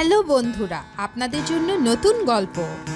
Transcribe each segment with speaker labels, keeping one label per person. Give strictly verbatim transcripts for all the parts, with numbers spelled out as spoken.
Speaker 1: Hello বন্ধুরা, আপনাদের জন্য নতুন গল্প।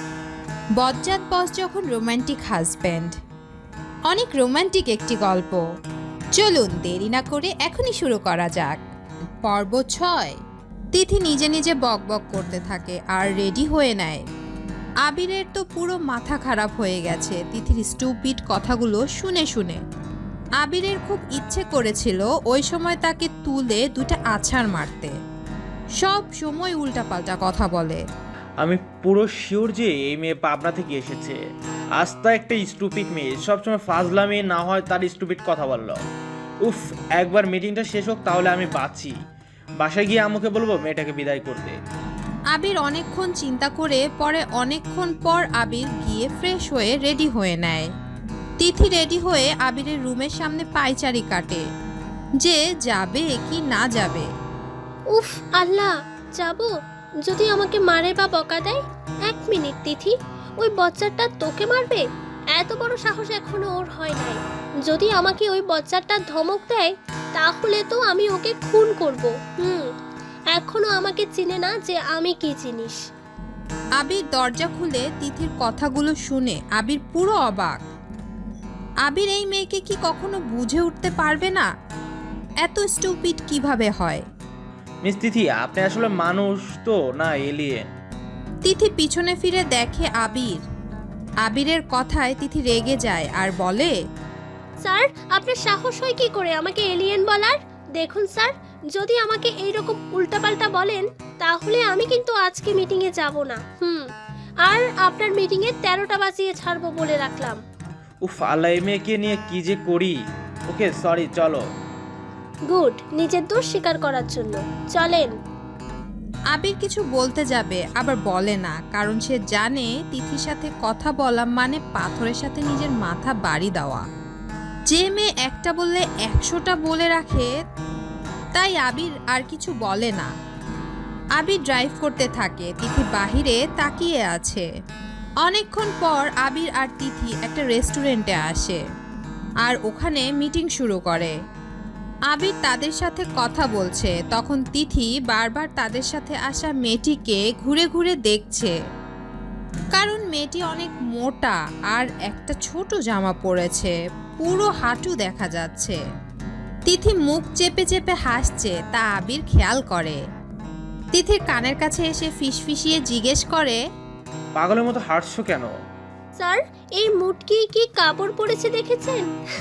Speaker 1: বজ্জাত বস যখন রোমান্টিক হাজব্যান্ড। অনেক রোমান্টিক একটি গল্প। চলুন দেরি না করে এখনই শুরু করা যাক। পর্ব ছয়। তিথি নিজে নিজে বক বক করতে থাকে আর রেডি হয়ে নেয়। আবিরের তো পুরো মাথা খারাপ হয়ে গেছে তিথির স্টুপিড কথাগুলো শুনে শুনে। আবিরের খুব ইচ্ছে করেছিল ওই সময় তাকে তুলে দুটা আছাড় মারতে। সব সময় উল্টাপাল্টা কথা বলে।
Speaker 2: আমি পুরো শিওর যে এই মেয়ে পাবনা থেকে এসেছে। আস্তা একটা স্টুপিড মেয়ে, সবসময় ফাজলামি না হয় তার স্টুপিড কথা বলল। উফ, একবার মিটিংটা শেষ হোক তাহলে আমি বাঁচি। বাসায় গিয়ে আম্মুকে বলবো মেয়েটাকে বিদায় করতে।
Speaker 1: আবির অনেকক্ষণ চিন্তা করে পরে অনেকক্ষণ পর আবির গিয়ে ফ্রেশ হয়ে রেডি হয়ে নেয়। তিথি রেডি হয়ে আবিরের রুমের সামনে পায়চারি কাটে যে যাবে কি না যাবে।
Speaker 3: উফ আল্লাহ, যাব? যদি আমাকে মারে বা বকা দেয়? এক মিনিট তিথি, ওই বচ্চাটা তোকে মারবে? এত বড় সাহস এখনো ওর হয় নাই। যদি আমাকে ওই বচ্চাটা ধমক দেয় তাহলে তো আমি ওকে খুন করব। হুম, এখনো আমাকে চিনে না যে আমি কি জিনিস।
Speaker 1: আবির দরজা খুলে তিথির কথাগুলো শুনে আবির পুরো অবাক। আবির এই মেয়েকে কি কখনো বুঝে উঠতে পারবে না? এত স্টুপিড কিভাবে হয়?
Speaker 2: মিস তিথি, আপনি আসলে মানুষ তো না এলিয়েন?
Speaker 1: তিথি পিছনে ফিরে দেখে আবির। আবিরের কথায় তিথি রেগে যায় আর বলে,
Speaker 3: স্যার, আপনার সাহস হয় কি করে আমাকে এলিয়েন বলার? দেখুন স্যার, যদি আমাকে এইরকম উল্টাপাল্টা বলেন তাহলে আমি কিন্তু আজকে মিটিংয়ে যাব না। হুম, আর আপনার মিটিংয়ে তেরোটা বাজিয়ে ছাড়বো বলে রাখলাম।
Speaker 2: উফ আল্লাহ, এই মেয়েকে নিয়ে কি যে করি। ওকে সরি, চলো।
Speaker 3: গুড, নিজের দোষ স্বীকার করার জন্য চলেন।
Speaker 1: আবির কিছু বলতে যাবে আবার বলে না, কারণ সে জানে তিথির সাথে কথা বলা মানে পাথরের সাথে নিজের মাথা বাড়ি দেওয়া। যে মেয়ে একটা বললে একশোটা বলে রাখে, তাই আবির আর কিছু বলে না। আবির ড্রাইভ করতে থাকে, তিথি বাহিরে তাকিয়ে আছে। অনেকক্ষণ পর আবির আর তিথি একটা রেস্টুরেন্টে আসে আর ওখানে মিটিং শুরু করে। আবির তাদের সাথে কথা বলছে, তখন তিথি বারবার তাদের সাথে আসা মেয়েটিকে ঘুরে ঘুরে দেখছে, কারণ মেয়েটি অনেক মোটা আর একটা ছোট জামা পরেছে, পুরো হাঁটু দেখা যাচ্ছে। তিথি মুখ চেপে চেপে হাসছে, তা আবির খেয়াল করে। তিথির কানের কাছে এসে ফিসফিসিয়ে জিজ্ঞেস করে,
Speaker 2: পাগলের মতো হাঁটছো কেন?
Speaker 3: স্যার, এই মুটকি কি কাপড় পরেছে দেখেছেন?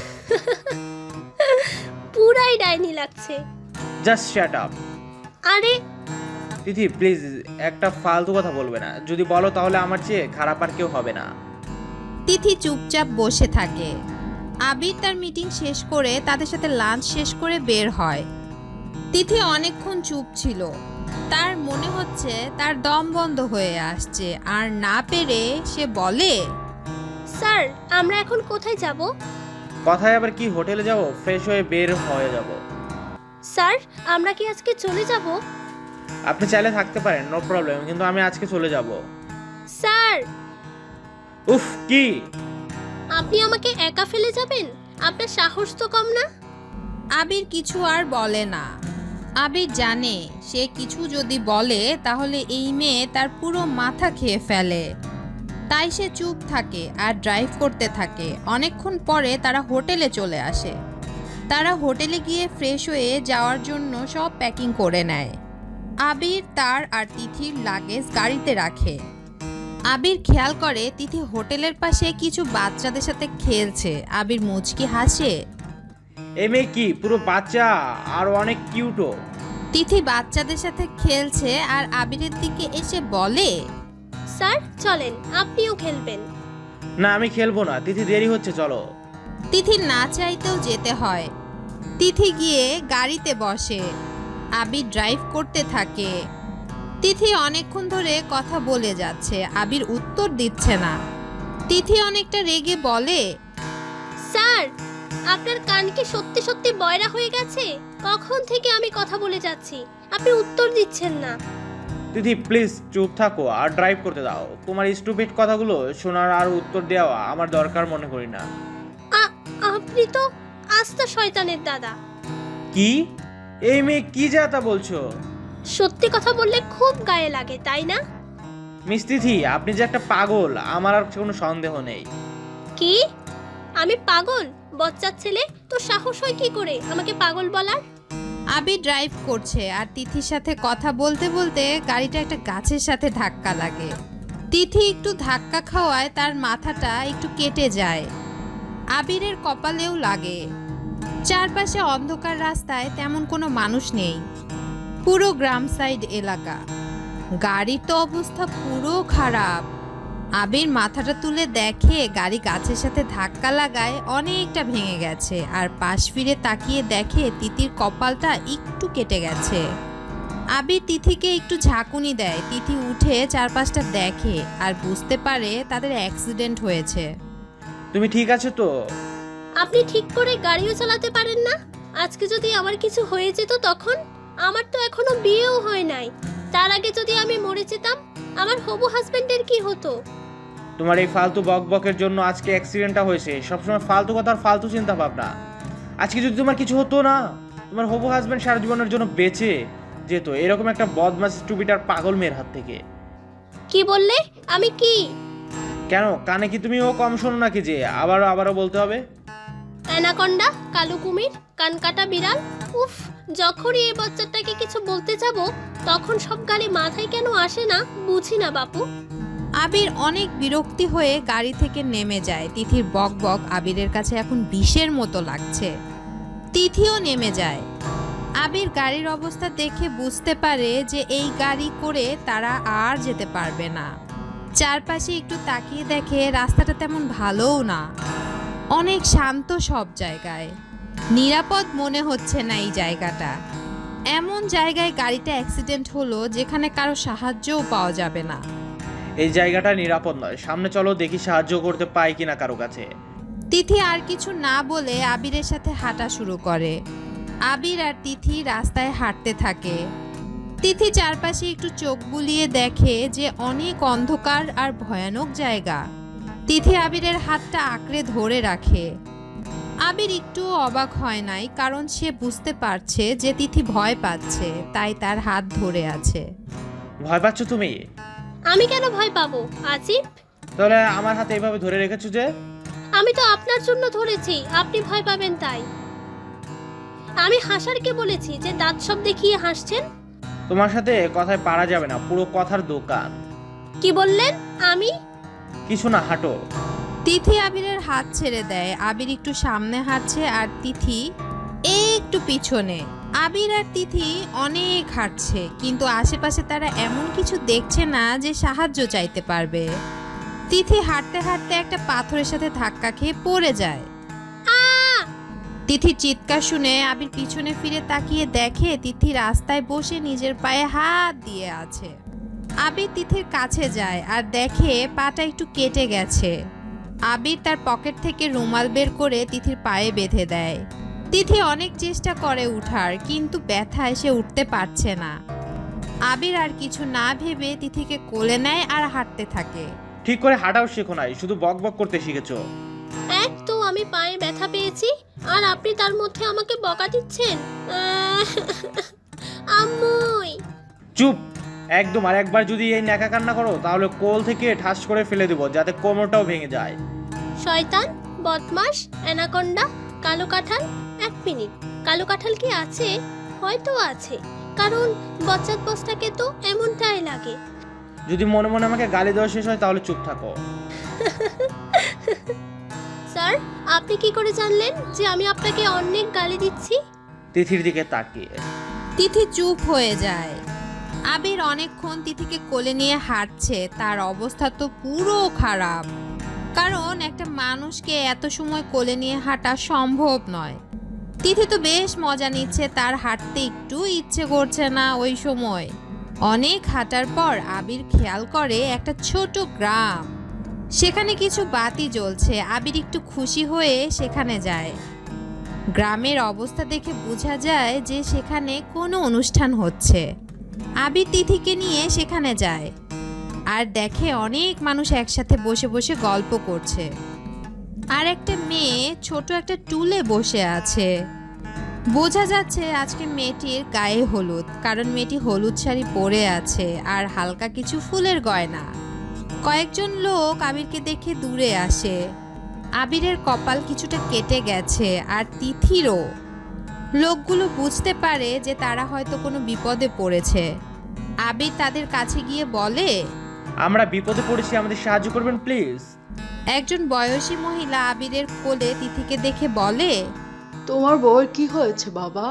Speaker 3: পুরাই ডাইনি লাগছে।
Speaker 2: Just shut up.
Speaker 3: আরে
Speaker 2: তিথি প্লিজ, একটা ফালতু কথা বলবে না। যদি বলো তাহলে আমার চেয়ে খারাপ আর কেউ হবে না।
Speaker 1: তিথি চুপচাপ বসে থাকে। আবির তার মিটিং শেষ করে তাদের সাথে লাঞ্চ শেষ করে বের হয়। তিথি অনেকক্ষণ চুপ ছিল, তার মনে হচ্ছে তার দম বন্ধ হয়ে আসছে, আর না পেরে সে বলে,
Speaker 3: স্যার, আমরা এখন কোথায় যাব?
Speaker 2: কথায় আবার কি, হোটেলে যাব? ফ্রেশ হয়ে বের হয়ে যাব।
Speaker 3: স্যার, আমরা কি আজকে চলে যাব?
Speaker 2: আপনি চাইলে থাকতে পারেন, নো প্রবলেম, কিন্তু আমি আজকে চলে যাব।
Speaker 3: স্যার,
Speaker 2: উফ কি?
Speaker 3: আপনি আমাকে একা ফেলে যাবেন? আপনার সাহস তো কম না।
Speaker 1: আবির কিছু আর বলে না। আবির জানে সে কিছু যদি বলে তাহলে এই মেয়ে তার পুরো মাথা খেয়ে ফেলে, তাই সে চুপ থাকে আর ড্রাইভ করতে থাকে। অনেকক্ষণ পরে তারা হোটেলে চলে আসে। তারা হোটেলে গিয়ে ফ্রেশ হয়ে যাওয়ার জন্য সব প্যাকিং করে নেয়। আবির তার আর তিথির লাগেজ গাড়িতে রাখে। আবির খেয়াল করে তিথি হোটেলের পাশে কিছু বাচ্চাদের সাথে খেলছে। আবির মুচকি হাসে।
Speaker 2: এই মেয়ে কি পুরো বাচ্চা আর অনেক কিউটও।
Speaker 1: তিথি বাচ্চাদের সাথে খেলছে আর আবিরের দিকে এসে বলে,
Speaker 3: স্যার চলেন, আপনিও খেলবেন।
Speaker 2: না আমি খেলবো না, তিথি দেরি হচ্ছে, চলো।
Speaker 1: তিথি না চাইতেও যেতে হয়। তিথি গিয়ে গাড়িতে বসে। আবির ড্রাইভ করতে থাকে। তিথি অনেকক্ষণ ধরে কথা বলে যাচ্ছে, আবির উত্তর দিচ্ছে না। তিথি অনেকটা রেগে বলে,
Speaker 3: স্যার, আপনার কান কি সত্যি সত্যি বয়রা হয়ে গেছে? কখন থেকে আমি কথা বলে যাচ্ছি, আপনি উত্তর দিচ্ছেন না।
Speaker 2: তিথি প্লিজ চুপ থাকো আর ড্রাইভ করতে দাও। তোমার স্টুপিড কথাগুলো শোনার আর উত্তর দেওয়া আমার দরকার মনে করি না।
Speaker 3: আ- আপনি তো আস্তা শয়তানের দাদা।
Speaker 2: কি? এই মেয়ে কি যা তা বলছো?
Speaker 3: সত্যি কথা বললে খুব গায়ে লাগে তাই না?
Speaker 2: মিস তিথি, আপনি যে একটা পাগল আমার আর কোনো সন্দেহ নেই।
Speaker 3: কি? আমি পাগল? বচ্চার ছেলে, তো সাহস হয় কি করে আমাকে পাগল বলার?
Speaker 1: আবির ড্রাইভ করছে আর তিথির সাথে কথা বলতে বলতে গাড়িটা একটা গাছের সাথে ধাক্কা লাগে। তিথি একটু ধাক্কা খাওয়ায় তার মাথাটা একটু কেটে যায়। আবিরের কপালেও লাগে। চারপাশে অন্ধকার, রাস্তায় তেমন কোনো মানুষ নেই, পুরো গ্রাম সাইড এলাকা। গাড়ির তো অবস্থা পুরো খারাপ। আবির মাথাটা তুলে দেখে গাড়ি গাছের সাথে ধাক্কা লাগায় অনেকটা ভেঙে গেছে, আর পাশ ফিরে তাকিয়ে দেখে তিথির কপালটা একটু কেটে গেছে। আবির তিথিকে একটু ঝাঁকুনি দেয়। তিথি উঠে চারপাশটা দেখে আর বুঝতে পারে তাদের অ্যাক্সিডেন্ট হয়েছে।
Speaker 2: তুমি ঠিক আছো তো?
Speaker 3: আপনি ঠিক করে গাড়িও চালাতে পারেন না? আজকে যদি আমার কিছু হয়ে যেত তখন? আমার তো এখনো বিয়েও হয় নাই। তার আগে যদি আমি মরে যেতাম, আমার হবু হাজবেন্ডের কি হতো?
Speaker 2: তোমার এই ফালতু বক বকের জন্য আজকে অ্যাক্সিডেন্টটা হয়েছে। সবসময় ফালতু কথা আর ফালতু চিন্তা ভাবনা। আজকে যদি তোমার কিছু হতো না, তোমার হবু হাজবেন্ড সারা জীবনের জন্য বেঁচে যেত এরকম একটা বদমাস স্টুপিড আর পাগল মেয়ের হাত থেকে।
Speaker 3: কি বললে? আমি কি?
Speaker 2: কেন, কানে কি তুমি ও কম শোনো নাকি যে আবারও আবারও বলতে হবে?
Speaker 3: অ্যানাকন্ডা, কালো কুমির, কানকাটা বিড়াল। উফ, যখনই এই বাচ্চাটাকে কিছু বলতে যাব তখন সব গালি মাথায় কেন আসে না বুঝি না বাপু।
Speaker 1: আবির অনেক বিরক্তি হয়ে গাড়ি থেকে নেমে যায়। তিথির বক বক আবিরের কাছে এখন বিষের মতো লাগছে। তিথিও নেমে যায়। আবির গাড়ির অবস্থা দেখে বুঝতে পারে যে এই গাড়ি করে তারা আর যেতে পারবে না। চারপাশে একটু তাকিয়ে দেখে রাস্তাটা তেমন ভালোও না, অনেক শান্ত সব জায়গায়। নিরাপদ মনে হচ্ছে না এই জায়গাটা। এমন জায়গায় গাড়িটা অ্যাক্সিডেন্ট হলো যেখানে কারো সাহায্যও পাওয়া যাবে না।
Speaker 2: এই জায়গাটা নিরাপদ নয়, সামনে চলো দেখি সাহায্য করতে পাই কিনা কারো কাছে।
Speaker 1: তিথি আর কিছু না বলে আবিরের সাথে হাঁটা শুরু করে। আবির আর তিথি রাস্তায় হাঁটতে থাকে। তিথি চারপাশে একটু চোখ বুলিয়ে দেখে যে অনেক অন্ধকার আর ভয়ানক জায়গা। তিথি আবিরের হাতটা আঁকড়ে ধরে রাখে। আবির একটু অবাক হয় নাই, কারণ সে বুঝতে পারছে যে তিথি ভয় পাচ্ছে, তাই তার হাত ধরে আছে।
Speaker 2: ভয় পাচ্ছ তুমি?
Speaker 3: আমি কেন ভয় পাবো আসিফ?
Speaker 2: তাহলে আমার হাতে এইভাবে ধরে রেখেছো যে?
Speaker 3: আমি তো আপনার জন্য ধরেছি, আপনি ভয় পাবেন তাই। আমি হাসারকে বলেছি যে দাঁত সব দেখিয়ে হাসছেন।
Speaker 2: তোমার সাথে কথায় পারা যাবে না, পুরো কথার দোকান।
Speaker 3: কি বললেন? আমি
Speaker 2: কিছু না, হাঁটো।
Speaker 1: তিথি আবিরের হাত ছেড়ে দেয়। আবির একটু সামনে হাঁটছে আর তিথি একটু পিছনে। আবির আর তিথি অনেক হাঁটছে, কিন্তু আশেপাশে তারা এমন কিছু দেখছে না যে সাহায্য চাইতে পারবে। তিথি হাঁটতে হাঁটতে একটা পাথরের সাথে ধাক্কা খেয়ে পড়ে যায়। তিথির চিৎকার শুনে আবির পিছনে ফিরে তাকিয়ে দেখে তিথি রাস্তায় বসে নিজের পায়ে হাত দিয়ে আছে। আবির তিথির কাছে যায় আর দেখে পাটা একটু কেটে গেছে। আবির তার পকেট থেকে রুমাল বের করে তিথির পায়ে বেঁধে দেয়। তিথি অনেক চেষ্টা করে উঠার, কিন্তু ব্যথায় সে উঠতে পারছে না। আবির আর কিছু না ভেবে তিথিকে কোলে নেয় আর হাঁটতে থাকে।
Speaker 2: ঠিক করে হাঁটাও শেখো নাই, শুধু বক বক করতে শিখেছো।
Speaker 3: এক তো আমি পায়ে ব্যথা পেয়েছি, আর আপনি তার মধ্যে আমাকে বকা দিচ্ছেন। আহ, আম্মুই।
Speaker 2: চুপ একদম। আর একবার যদি এই ন্যাকা কান্না করো তাহলে কোল থেকে ঠাস করে ফেলে দেবো, যাতে কোমরটাও ভেঙে যায়।
Speaker 3: শয়তান, বদমাস, অ্যানাকন্ডা, কালো কাঁঠাল। এক মিনিট, কালো কাঁঠাল কি আছে? হয়তো আছে, কারণ বচ্চাত বসটাকে তো এমনটাই লাগে।
Speaker 2: যদি মনে মনে আমাকে গালি দেওয়া শেষ হয় তাহলে চুপ থাকো।
Speaker 3: স্যার, আপনি কি করে জানলেন যে আমি আপনাকে অনেক গালি দিচ্ছি?
Speaker 2: তিথির দিকে তাকিয়ে।
Speaker 1: তিথি চুপ হয়ে যায়। আবির অনেকক্ষণ তিথিকে কোলে নিয়ে হাঁটছে। তার অবস্থা তো পুরো খারাপ, কারণ একটা মানুষকে এত সময় কোলে নিয়ে হাঁটা সম্ভব নয়। তিথি তো বেশ মজা নিচ্ছে, তার হাঁটতে একটু ইচ্ছে করছে না ওই সময়। অনেক হাঁটার পর আবির খেয়াল করে একটা ছোট গ্রাম, সেখানে কিছু বাতি জ্বলছে। আবির একটু খুশি হয়ে সেখানে যায়। গ্রামের অবস্থা দেখে বোঝা যায় যে সেখানে কোনো অনুষ্ঠান হচ্ছে। আবির তিথিকে নিয়ে সেখানে যায় আর দেখে অনেক মানুষ একসাথে বসে বসে গল্প করছে। আর একটা মেয়ে ছোট একটা টুলে বসে আছে। বোঝা যাচ্ছে আজকে মেয়েটির গায়ে হলুদ, কারণ মেয়েটি হলুদ শাড়ি পরে আছে আর হালকা কিছু ফুলের গয়না। কয়েকজন লোক আবিরকে দেখে দূরে আসে। আবিরের কপাল কিছুটা কেটে গেছে আর তিথিরও। লোকগুলো বুঝতে পারে যে তারা হয়তো কোনো বিপদে পড়েছে। আবির তাদের কাছে গিয়ে বলে,
Speaker 2: আমরা বিপদে পড়েছি, আমাদের সাহায্য করবেন প্লিজ।
Speaker 1: একজন বয়সী মহিলা আবিরের কোলে তিথিকে দেখে বলে,
Speaker 4: তোমার বউয়ের কি হয়েছে বাবা?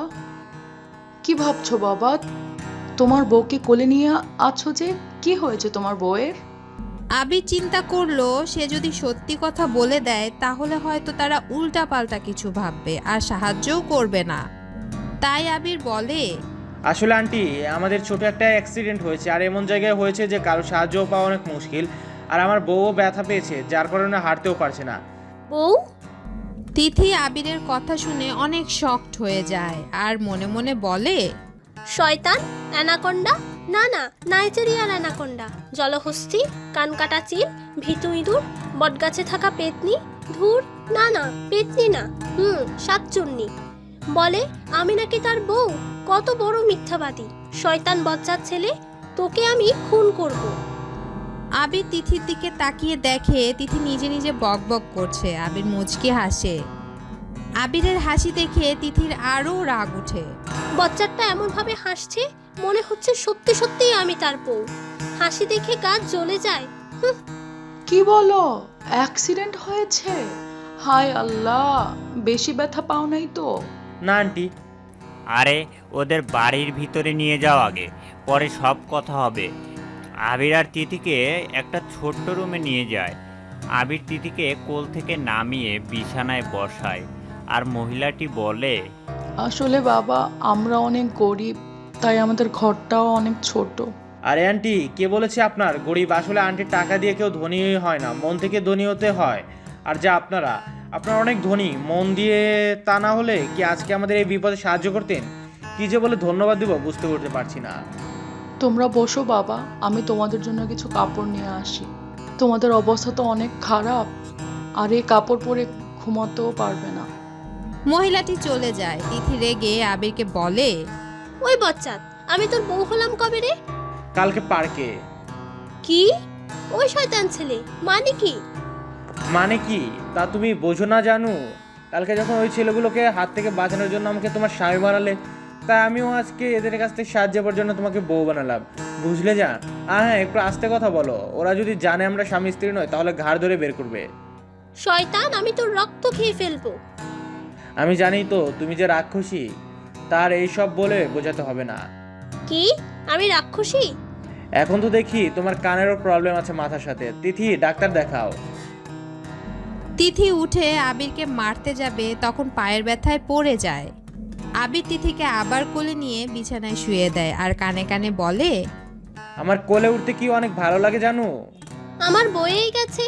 Speaker 4: কি ভাবছো বাবা? তোমার বউকে কোলে নিয়ে আছো যে, কি হয়েছে তোমার বউয়ের?
Speaker 1: আবির চিন্তা করলো সে যদি সত্যি কথা বলে দেয় তাহলে হয়তো তারা উল্টাপাল্টা কিছু ভাববে আর সাহায্যও করবে না। তাই আবির বলে,
Speaker 2: আসলে আন্টি, আমাদের ছোট একটা অ্যাক্সিডেন্ট হয়েছে, আর এমন জায়গায় হয়েছে যে কারো সাহায্য পাওয়া অনেক মুশকিল। আর আমার বউও ব্যথা পেয়েছে, যার কারণে হাঁটতেও পারছে না।
Speaker 3: বউ?
Speaker 1: তিথি আবিরের কথা শুনে অনেক শকড হয়ে যায় আর মনে মনে বলে,
Speaker 3: শয়তান, অ্যানাকোন্ডা? না না, নাইজেরিয়ার অ্যানাকোন্ডা, জলহস্তী, কানকাটা চিল, ভিতু ইঁদুর, বটগাছে থাকা পেতনি। ধুর, না না, পেতনি না, হুম সাতচুন্নি। বলে আমি নাকি তার বউ। কত বড় মিথ্যাবাদী! শয়তান বজ্জাত ছেলে, তোকে আমি খুন করব।
Speaker 1: আবির তিথির দিকে তাকিয়ে দেখে তিথি নিজে নিজে বক বক করছে। আবির মুচকি হাসে। আবিরের হাসি দেখে তিথির আরও রাগ ওঠে।
Speaker 3: বজ্জাতটা এমনভাবে হাসছে মনে হচ্ছে সত্যি সত্যিই আমি তার বউ। হাসি দেখে গা জ্বলে যায়। হুঁ,
Speaker 4: কি বলো? অ্যাক্সিডেন্ট হয়েছে? হায় আল্লাহ, বেশি ব্যথা পাও নাই তো?
Speaker 2: না আন্টি।
Speaker 5: আরে ওদের বাড়ির ভিতরে নিয়ে যাও আগে, পরে সব কথা হবে। আবির আর তিথিকে একটা ছোট্ট রুমে নিয়ে যায়। আবির তিথিকে কোল থেকে নামিয়ে বিছানায় বসায় আর মহিলাটি বলে,
Speaker 4: আসলে বাবা, আমরা অনেক গরিব, তাই আমাদের ঘরটাও অনেক ছোট।
Speaker 2: আরে আন্টি, কে বলেছে আপনার গরিব? আসলে আন্টির টাকা দিয়ে কেউ ধনী হয় না, মন থেকে ধনী হতে হয়। আর যা আপনারা আপনারা অনেক ধনী, মন দিয়ে তা না হলে কি আজকে আমাদের এই বিপদে সাহায্য করতেন? কি যে বলে ধন্যবাদ দিব বুঝতে করতে পারছি না।
Speaker 4: তোমরা বসো বাবা, আমি তোমাদের জন্য কিছু কাপড় নিয়ে আসি। তোমাদের অবস্থা তো অনেক খারাপ, আর এই কাপড় পরে ঘুমাতেও পারবে না।
Speaker 1: মহিলাটি চলে যায়। তিথি রেগে আবিরকে বলে,
Speaker 3: ওই বজ্জাত, আমি তোর বউ হলাম কবে রে?
Speaker 2: কালকে পার্কে।
Speaker 3: কি? ওই শয়তান ছেলে মানে কি?
Speaker 2: মানে কি তা তুমি বোঝো না জানু? কালকে যখন ওই ছেলেগুলোকে হাত থেকে বাঁচানোর জন্য আমাকে তোমার স্বামী বানালে, তাই আমিও আজকে এদের কাছ থেকে সাহায্য পাওয়ার জন্য তোমাকে বউ বানালাম, বুঝলে যা? আর হ্যাঁ, একটু আস্তে কথা বলো, ওরা যদি জানে আমরা স্বামী স্ত্রী নয় তাহলে ঘাড় ধরে বের করবে।
Speaker 3: শয়তান, আমি তোর রক্ত খেয়ে ফেলবো।
Speaker 2: আমি জানি তো তুমি যে রাক্ষসী, তার এই সব বলে বোঝাতে হবে না।
Speaker 3: কি? আমি রাক্ষসী?
Speaker 2: এখন তো দেখি তোমার কানেরও প্রবলেম আছে মাথার সাথে। তিথি, ডাক্তার দেখাও।
Speaker 1: তিথি উঠে আবিরকে মারতে যাবে, তখন পায়ের ব্যথায় পড়ে যায়। আবির তিথিকে আবার কোলে নিয়ে বিছানায় শুয়ে দেয় আর কানে কানে বলে,
Speaker 2: আমার কোলে উঠতে কি অনেক ভালো লাগে জানো?
Speaker 3: আমার বয়েই গেছে।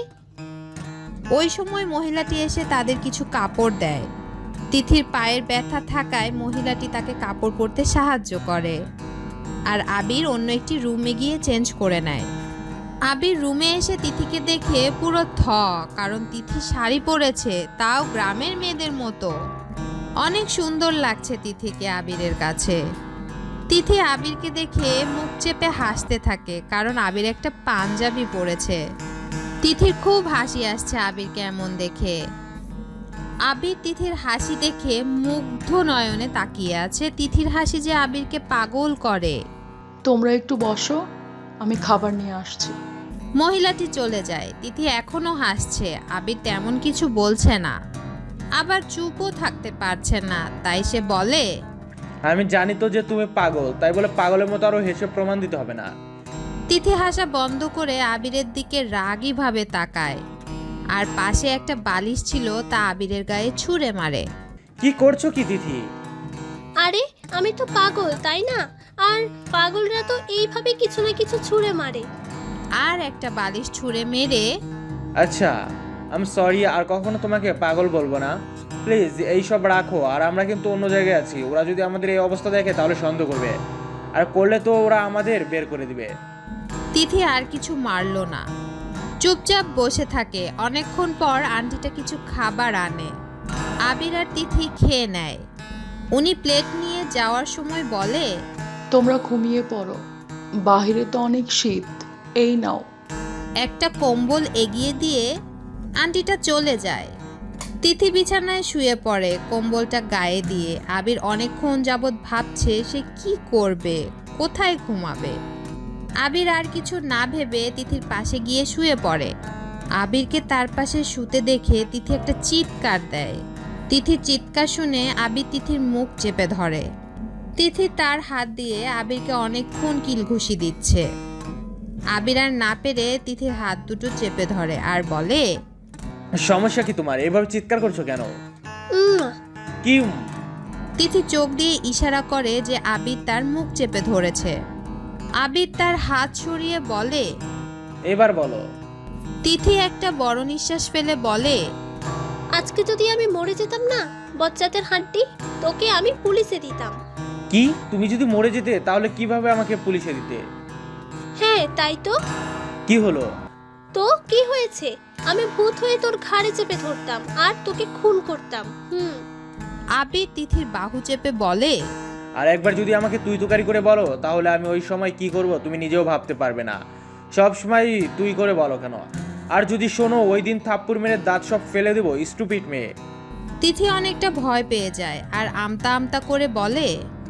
Speaker 1: ওই সময় মহিলাটি এসে তাদের কিছু কাপড় দেয়। তিথির পায়ের ব্যথা থাকায় মহিলাটি তাকে কাপড় পরতে সাহায্য করে আর আবির অন্য একটি রুমে গিয়ে চেঞ্জ করে নেয়। আবির রুমে এসে তিথিকে দেখে পুরো থ, কারণ তিথি শাড়ি পরেছে, তাও গ্রামের মেয়েদের মতো। অনেক সুন্দর লাগছে তিথিকে আবিরের কাছে। তিথি আবিরকে দেখে মুখ চেপে হাসতে থাকে, কারণ আবির একটা পাঞ্জাবি পরেছে। তিথির খুব হাসি আসছে আবিরকে এমন দেখে। আবির তিথির হাসি দেখে মুগ্ধ নয়নে তাকিয়ে আছে। তিথির হাসি যে আবিরকে পাগল করে।
Speaker 4: তোমরা একটু বসো, আমি খাবার নিয়ে আসছি।
Speaker 1: মহিলাটি চলে যায়। তিথি এখনো হাসছে। আবির তেমন কিছু বলছে না, আবার চুপও থাকতে পারছে না, তাই সে বলে,
Speaker 2: আমি জানি তো যে তুমি পাগল, তাই বলে পাগলের মতো আরো হেসে প্রমাণ দিতে হবে না।
Speaker 1: তিথি হাসা বন্ধ করে আবিরের দিকে রাগী ভাবে তাকায় আর পাশে একটা বালিশ ছিল তা আবিরের গায়ে ছুঁড়ে মারে।
Speaker 2: কি করছো কি তিথি?
Speaker 3: আরে আমি তো পাগল, তাই না? আর পাগলরা তো এইভাবে কিছু না কিছু ছুঁড়ে মারে।
Speaker 1: আর একটা বালিশ ছুঁড়ে মেরে,
Speaker 2: আচ্ছা, আমি সরি, আর কখনো তোমাকে পাগল বলবো না। প্লিজ এইসব রাখো, আর আমরা কিন্তু অন্য জায়গায় আছি। ওরা যদি আমাদের এই অবস্থা দেখে তাহলে সন্দেহ করবে, আর করলে তো ওরা আমাদের বের করে দিবে।
Speaker 1: তিথি আর কিছু মারল না, চুপচাপ বসে থাকে। অনেকক্ষণ পর আন্টিটা কিছু খাবার আনে। আবির আর তিথি খেয়ে নেয়। উনি প্লেট নিয়ে যাওয়ার সময় বলে,
Speaker 4: তোমরা ঘুমিয়ে পড়ো, বাহিরে তো অনেক শীত, এই নাও।
Speaker 1: একটা কম্বল এগিয়ে দিয়ে আন্টিটা চলে যায়। তিথি বিছানায় শুয়ে পড়ে কম্বলটা গায়ে দিয়ে। আবির অনেকক্ষণ যাবৎ ভাবছে সে কি করবে, কোথায় ঘুমাবে। আবির আর কিছু না ভেবে তিথির পাশে গিয়ে শুয়ে পড়ে। আবিরকে তার পাশে শুতে দেখে তিথি একটা চিৎকার দেয়। তিথির চিৎকার শুনে আবির তিথির মুখ চেপে ধরে। তিথি তার হাত দিয়ে আবিরকে অনেকক্ষণ কিলঘুষি দিচ্ছে। আবির আর না পেরে তিথির হাত দুটো চেপে ধরে আর বলে,
Speaker 2: সমস্যা কি তোমার? এভাবে চিৎকার করছো কেন?
Speaker 3: উম,
Speaker 2: কি উম?
Speaker 1: তিথি চোখ দিয়ে ইশারা করে যে আবির তার মুখ চেপে ধরেছে। আবির তার হাত সরিয়ে বলে,
Speaker 2: এবার বলো।
Speaker 1: তিথি একটা বড় নিঃশ্বাস ফেলে বলে,
Speaker 3: আজকে যদি আমি মরে যেতাম না বচ্চাদের হাড্ডি, তোকে আমি পুলিশে দিতাম।
Speaker 2: কি? তুমি যদি মরে যেতে তাহলে কিভাবে আমাকে পুলিশে দিতে?
Speaker 3: হ্যাঁ তাই তো।
Speaker 2: কি হলো?
Speaker 3: তো কি হয়েছে? আমি ভূত হয়ে তোর ঘাড়ে চেপে ধরতাম আর তোকে খুন করতাম। হুম।
Speaker 1: আবির তিথির বাহু চেপে বলে,
Speaker 2: আর একবার যদি আমাকে তুই তুকারি করে বলো তাহলে আমি ওই সময় কি করব তুমি নিজেও ভাবতে পারবে না। সব সময় তুই করে বলো কেন? আর যদি শোনো, ওই দিন থাপ্পড় মেরে দাঁত সব ফেলে দেবো, স্টুপিড মেয়ে।
Speaker 1: তিথি অনেকটা ভয় পেয়ে যায় আর আমতা আমতা করে বলে।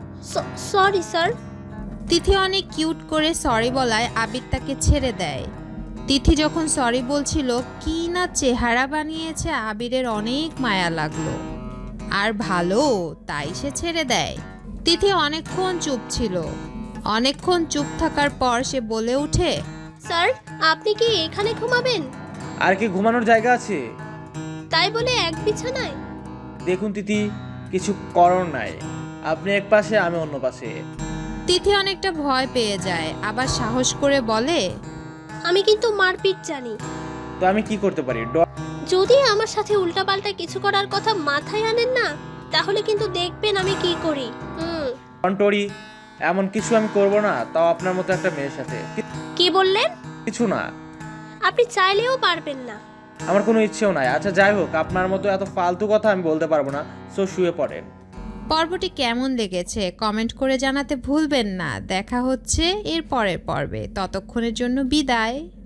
Speaker 3: Sorry sir.
Speaker 1: তিথি অনেক কিউট করে সরি বলায় আবির তাকে ছেড়ে দেয়। তিথি যখন সরি বলছিল, কি না চেহারা বানিয়েছে, আবিরের অনেক মায়া লাগলো। আর ভালো, তাই সে ছেড়ে দেয়। তিথি অনেকক্ষণ চুপ ছিল। অনেকক্ষণ চুপ থাকার পর সে বলে ওঠে,
Speaker 3: স্যার আপনি কি এখানে ঘুমাবেন?
Speaker 2: আর কি ঘুমানোর জায়গা আছে?
Speaker 3: তাই বলে এক বিছানায়?
Speaker 2: দেখুন তিথি, কিছু করার নাই। আপনি এক পাশে, আমি অন্য পাশে।
Speaker 1: তিথি অনেকটা ভয় পেয়ে যায়, আবার সাহস করে বলে,
Speaker 3: আমি কিন্তু মারপিট জানি।
Speaker 2: তো আমি কি করতে পারি? ড-
Speaker 3: যদি আমার সাথে উল্টাপাল্টা কিছু করার কথা মাথায় আনেন না, তাহলে কিন্তু দেখবেন আমি কি করি। হুম।
Speaker 2: ডন্টরি, এমন কিছু আমি করব না, তাও আপনার মতো একটা মেয়ের সাথে। কি-
Speaker 3: কি বললেন?
Speaker 2: কিছু না,
Speaker 3: আপনি চাইলেও পারবেন না।
Speaker 2: আমার কোনো ইচ্ছেও নাই। আচ্ছা যাই হোক, আপনার মতো এত ফালতু কথা আমি বলতে পারবো না, সো শুয়ে পড়েন।
Speaker 1: পর্বটি কেমন লেগেছে কমেন্ট করে জানাতে ভুলবেন না। দেখা হচ্ছে এর পরের পর্বে, ততক্ষণের জন্য বিদায়।